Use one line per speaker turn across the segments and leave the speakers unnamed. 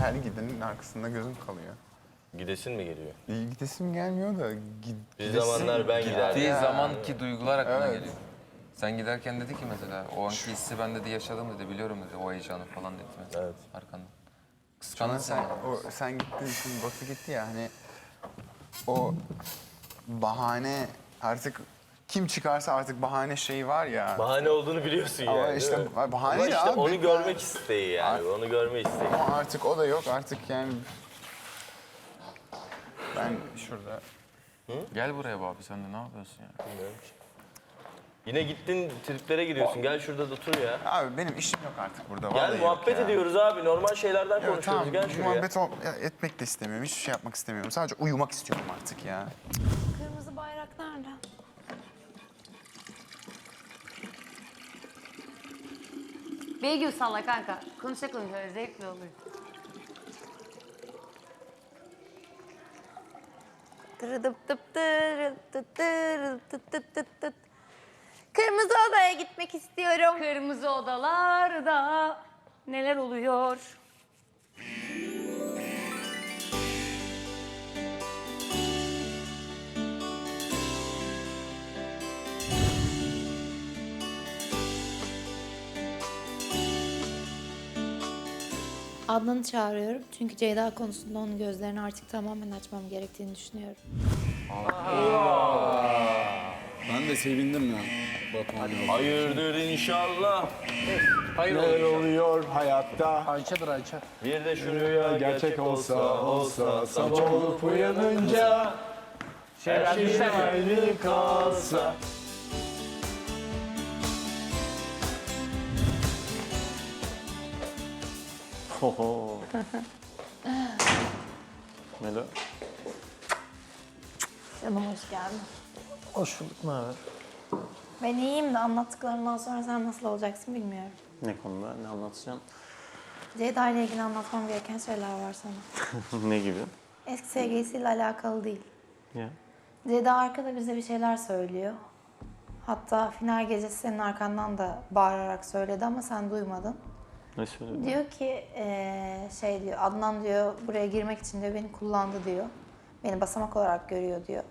her gidenin arkasında gözüm kalıyor.
Gidesin mi geliyor?
Gidesim gelmiyor da
Bir zamanlar ben giderdim.
Gittiği zamanki duygular aklına
Evet.
geliyor. Sen giderken dedi ki mesela, o anki hissi ben dedi yaşadım dedi, biliyorum dedi, o heyecanı falan dedi mesela
Evet.
arkandan. Kıskandın sen.
Sen gittin, şimdi Batu gitti ya hani o bahane artık kim çıkarsa artık bahane şeyi var ya.
Bahane olduğunu biliyorsun
Ama
yani.
işte
değil mi?
bahane
Ama
ya
işte
abi.
onu görmek isteği yani. Onu görme isteği.
Ama artık o da yok artık yani. Ben şurada
Gel buraya be abi, sen de ne yapıyorsun ya?
Bilmiyorum ki. Yine gittin triplere giriyorsun. Gel şurada da otur ya.
abi benim işim yok artık burada.
Gel
vallahi yok
muhabbet
ya.
ediyoruz abi. Normal şeylerden
Yok,
konuşuyoruz.
tamam,
Gel şuraya.
muhabbet etmek de istemiyorum. Hiçbir şey yapmak istemiyorum. Sadece uyumak istiyorum artık ya.
Kırmızı bayrak nerede?
Beygül salla kanka. Konuşa konuşa zevkli olur.
Kırmızı odaya gitmek istiyorum.
Kırmızı odalarda neler oluyor?
Adnan'ı çağırıyorum çünkü Ceyda konusunda onun gözlerini artık tamamen açmam gerektiğini düşünüyorum.
Ben de sevindim ya. Batuhan'ın
Hayırdır inşallah.
neler oluyor hayatta?
Ayça'dır Ayça.
Bir de şu rüya
Gerçek olsa sabah olup uyanınca her şey aynı kalsa. Oho. Melo.
Canım hoş geldin.
Hoş bulduk, ne haber?
Ben iyiyim de anlattıklarından sonra sen nasıl olacaksın bilmiyorum.
Ne konuda ne anlatacağım?
Ceyda ile ilgili anlatmam gereken şeyler var sana.
Ne gibi?
Eski sevgilisiyle alakalı değil.
Ya.
Ceyda arkada bize bir şeyler söylüyor. Hatta final gecesi senin arkandan da bağırarak söyledi ama sen duymadın.
Ne söyledin?
Diyor ki şey diyor, Adnan diyor buraya girmek için diyor beni kullandı diyor. Beni basamak olarak görüyor diyor.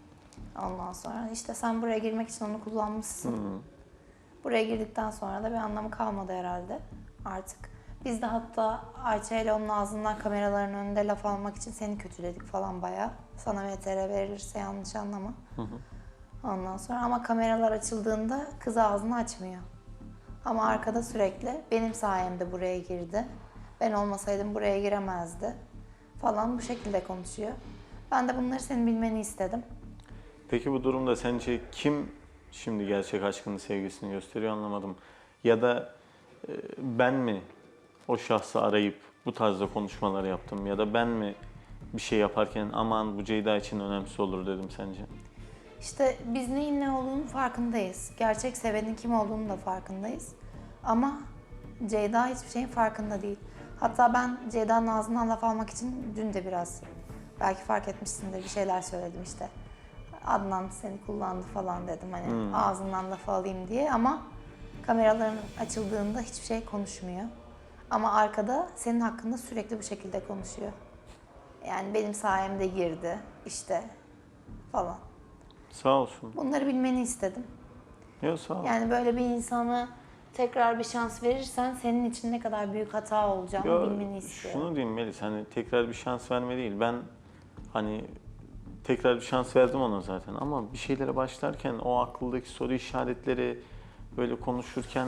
Ondan sonra işte sen buraya girmek için onu kullanmışsın. Buraya girdikten sonra da bir anlamı kalmadı herhalde artık. Biz de hatta Ayça ile onun ağzından kameraların önünde laf almak için seni kötüledik falan bayağı. Sana VTR verilirse yanlış anlama. Ondan sonra ama kameralar açıldığında kız ağzını açmıyor. Ama arkada sürekli benim sayemde buraya girdi. Ben olmasaydım buraya giremezdi falan bu şekilde konuşuyor. Ben de bunları senin bilmeni istedim.
Peki bu durumda sence kim şimdi gerçek aşkını, sevgisini gösteriyor anlamadım. Ya da ben mi o şahsı arayıp bu tarzda konuşmalar yaptım ya da ben mi bir şey yaparken aman bu Ceyda için önemsiz olur dedim sence?
İşte biz neyin ne olduğunun farkındayız. Gerçek sevenin kim olduğunu da farkındayız. Ama Ceyda hiçbir şeyin farkında değil. Hatta ben Ceyda'nın ağzından laf almak için dün de biraz belki fark etmişsindir bir şeyler söyledim işte. Adnan seni kullandı falan dedim hani ağzından laf alayım diye ama kameraların açıldığında hiçbir şey konuşmuyor. Ama arkada senin hakkında sürekli bu şekilde konuşuyor. Yani benim sayemde girdi işte falan.
Sağ olsun.
Bunları bilmeni istedim.
Yok sağ ol.
Yani böyle bir insana tekrar bir şans verirsen senin için ne kadar büyük hata olacağını
Yo,
bilmeni istiyorum.
şunu diyeyim Melis, hani tekrar bir şans verme değil. Ben hani tekrar bir şans verdim ona zaten ama bir şeylere başlarken o akıldaki soru işaretleri böyle konuşurken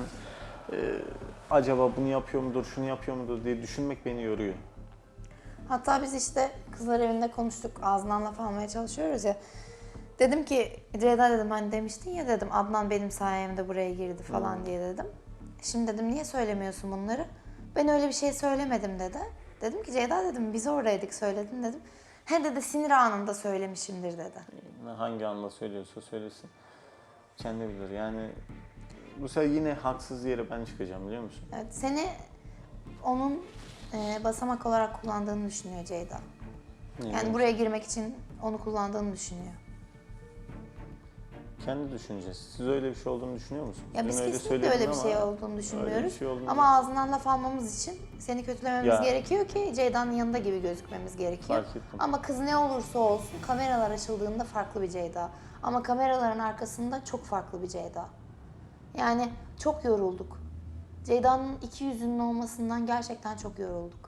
acaba bunu yapıyor mudur, şunu yapıyor mudur diye düşünmek beni yoruyor.
Hatta biz işte kızlar evinde konuştuk, ağzından laf almaya çalışıyoruz ya. Dedim ki, Ceyda dedim hani demiştin ya dedim Adnan benim sayemde buraya girdi falan diye dedim. Şimdi dedim niye söylemiyorsun bunları? Ben öyle bir şey söylemedim dedi. Dedim ki Ceyda dedim biz oradaydık söyledin dedim. He dedi sinir anında söylemişimdir dedi.
Hangi anda söylüyorsa söylesin. Kendi bilir. Yani bu sefer yine haksız yere ben çıkacağım biliyor musun?
Evet, seni onun basamak olarak kullandığını düşünüyor Ceyda. Yani buraya girmek için onu kullandığını düşünüyor.
kendi düşüncesi. Siz öyle bir şey olduğunu düşünüyor musunuz?
Ya biz
Dün öyle
kesinlikle
söyledin
öyle bir şey
ama
olduğunu
öyle
düşünmüyoruz.
bir şey olduğunu
Ama ağzından laf almamız için seni kötülememiz
Ya.
gerekiyor ki Ceyda'nın yanında gibi gözükmemiz gerekiyor.
Fark ettim.
Ama kız ne olursa olsun kameralar açıldığında farklı bir Ceyda. Ama kameraların arkasında çok farklı bir Ceyda. Yani çok yorulduk. Ceyda'nın iki yüzünün olmasından gerçekten çok yorulduk.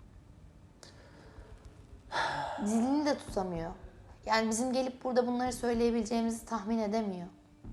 Dilini de tutamıyor. Yani bizim gelip burada bunları söyleyebileceğimizi tahmin edemiyor.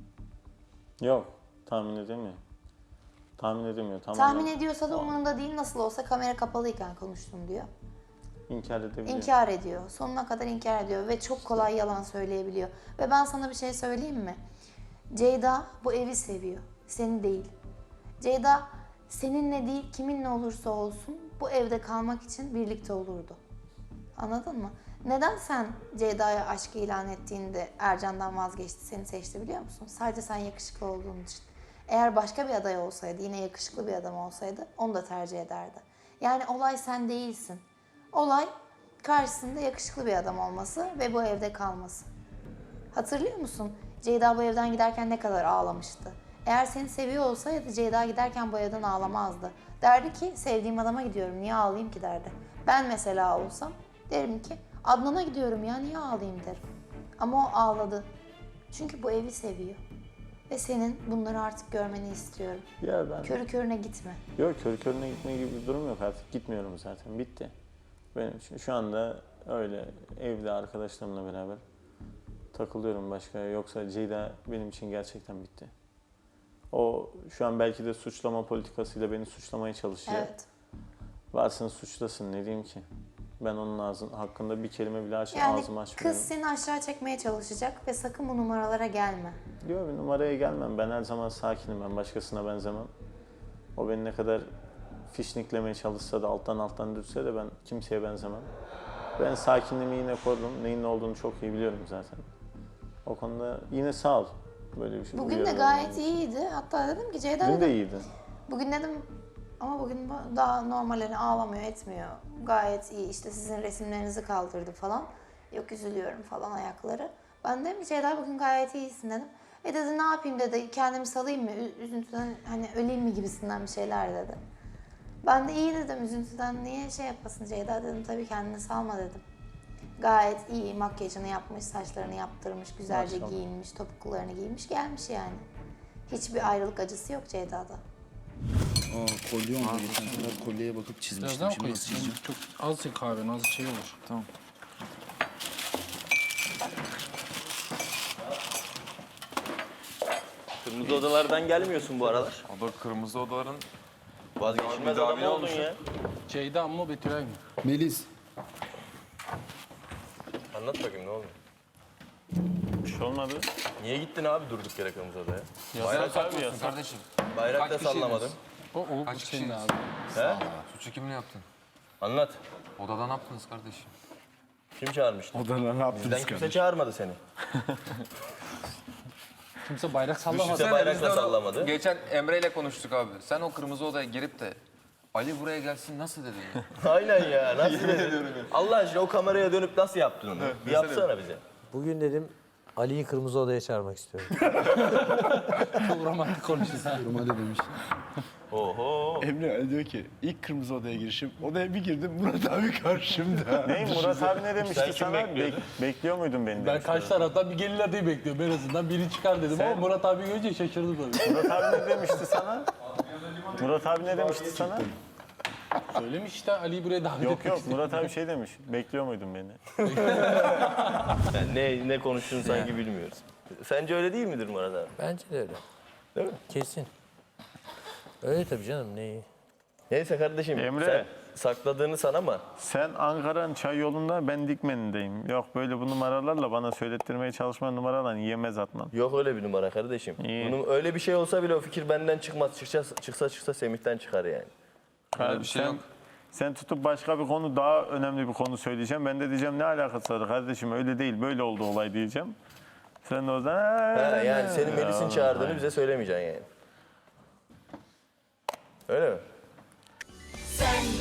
Yok, tahmin edemiyor. Tahmin edemiyor. Tamamen
Tahmin ediyorsa da umurunda değil, nasıl olsa kamera kapalıyken konuştum diyor.
inkar edebiliyor.
İnkar ediyor. Sonuna kadar inkar ediyor ve çok kolay yalan söyleyebiliyor. Ve ben sana bir şey söyleyeyim mi? Ceyda bu evi seviyor. Seni değil. Ceyda seninle değil, kiminle olursa olsun bu evde kalmak için birlikte olurdu. Anladın mı? Neden sen Ceyda'ya aşk ilan ettiğinde Ercan'dan vazgeçti, seni seçti biliyor musun? Sadece sen yakışıklı olduğun için. Eğer başka bir aday olsaydı, yine yakışıklı bir adam olsaydı onu da tercih ederdi. Yani olay sen değilsin. Olay karşısında yakışıklı bir adam olması ve bu evde kalması. Hatırlıyor musun? Ceyda bu evden giderken ne kadar ağlamıştı. Eğer seni seviyor olsaydı Ceyda giderken bu evden ağlamazdı. Derdi ki sevdiğim adama gidiyorum, niye ağlayayım ki derdi. Ben mesela olsam derim ki Adnan'a gidiyorum ya, niye ağlayayım derim. Ama o ağladı. Çünkü bu evi seviyor. Ve senin bunları artık görmeni istiyorum.
Ya ben...
Körü körüne gitme.
Yok, körü körüne gitme gibi bir durum yok artık. Gitmiyorum zaten. Bitti. Benim için şu anda öyle evde arkadaşlarımla beraber takılıyorum başka. Yoksa Ceyda benim için gerçekten bitti. O şu an belki de suçlama politikasıyla beni suçlamaya çalışıyor.
Evet.
Varsın suçlasın, ne diyeyim ki? Ben onun hakkında bir kelime bile
Yani
ağzımı açmıyorum.
kız seni aşağı çekmeye çalışacak ve sakın bu numaralara gelme.
Yok, bir numaraya gelmem. Ben her zaman sakinim. Ben başkasına benzemem. O beni ne kadar fişniklemeye çalışsa da alttan dürtse de ben kimseye benzemem. Ben sakinliğimi yine korurum. Neyin ne olduğunu çok iyi biliyorum zaten. O konuda yine sağ ol. Böyle bir şey.
Bugün de
uyarı
gayet
vermen için.
iyiydi. Hatta dedim ki Ceyda
Dün
dedim,
de iyiydi.
bugün dedim ama bugün daha normal, hani ağlamıyor etmiyor. Gayet iyi, işte sizin resimlerinizi kaldırdı falan. Yok üzülüyorum falan ayakları. Ben dedim ki Ceyda bugün gayet iyisin dedim. Dedi ne yapayım dedi, kendimi salayım mı, üzüntüden hani öleyim mi gibisinden bir şeyler dedi. Ben de iyi dedim, üzüntüden niye şey yapasın Ceyda dedim, tabii kendini salma dedim. Gayet iyi, makyajını yapmış, saçlarını yaptırmış, güzelce
Maşallah.
giyinmiş, topuklularını giymiş gelmiş yani. Hiçbir ayrılık acısı yok Ceyda'da.
Aa kolye oldu geçen sefer kolyeye bakıp
Biraz
çizmiştim.
daha
Şimdi
koy.
nasıl çizeceğim?
Çok az çek kahven, az şey olur.
Tamam.
Kırmızı odalardan gelmiyorsun bu aralar.
O da kırmızı odaların
Vazgeçilmez adam oldun ya.
Ceyda mı Betülay mı?
Melis.
Anlat bakayım ne oldu?
Bir şey olmadı.
Niye gittin abi durduk yere kırmızı odaya?
Bayrak saklıyorsun kardeşim.
Bayrak da
Kaç kişiydiniz?
sallamadın.
O
Kaç
senin
kişiydiniz?
abi.
He?
Suçu kimle yaptın?
Anlat.
Odada ne yaptınız kardeşim?
Kim çağırmıştı?
Odana ne yaptınız
Bizden kimse çağırmadı seni.
Kimse bayrak sallamadı.
Kimse bayrak da sallamadı.
Geçen Emre ile konuştuk abi. Sen o kırmızı odaya girip de Ali buraya gelsin nasıl dedin ya?
Aynen ya. Nasıl dedin? Allah aşkına o kameraya dönüp nasıl yaptın onu? Bir yapsana bize.
Bugün dedim Ali'yi kırmızı odaya çağırmak istiyorum.
Çok romantik konuşuyorsun.
Normalde demiştim.
Oho.
Emre diyor ki ilk kırmızı odaya girişim. Odaya bir girdim Murat abi karşımda.
Ne Murat abi ne demişti
Sen kim
sana?
bekliyordun?
Bekliyor muydun beni
Ben
demişti.
karşı taraftan bir gelin adayı bekliyorum. En azından biri çıkar dedim ama Murat abi görünce şaşırdım tabii.
Murat abi ne demişti sana? Murat abi ne demişti sana?
Söylemiş işte Ali'yi buraya davet
Yok
etmek
yok
istedim.
Murat abi şey demiş. Bekliyor muydun beni?
Yani ne konuştuğunu sanki bilmiyoruz. Sence öyle değil midir Murat abi?
Bence de öyle.
Değil mi?
Kesin. Öyle tabii canım, neyi?
Neyse kardeşim
Emre.
sen sakladığını sanama.
Sen Ankara'nın çay yolunda, ben Dikmen'indeyim. Yok böyle bu numaralarla bana söylettirmeye çalışma numaralarla yiyemez Adnan.
Yok öyle bir numara kardeşim.
İyi.
Bunun öyle bir şey olsa bile o fikir benden çıkmaz. Çıksa Semih'ten çıkar yani.
Öyle bir şey yok.
Sen tutup başka bir konu, daha önemli bir konu söyleyeceğim. Ben de diyeceğim ne alakası var kardeşim, öyle değil böyle oldu olay diyeceğim. Sen de o zaman
Ha, yani senin Melis'in çağırdığını bize söylemeyeceksin yani. Öyle mi?
Sen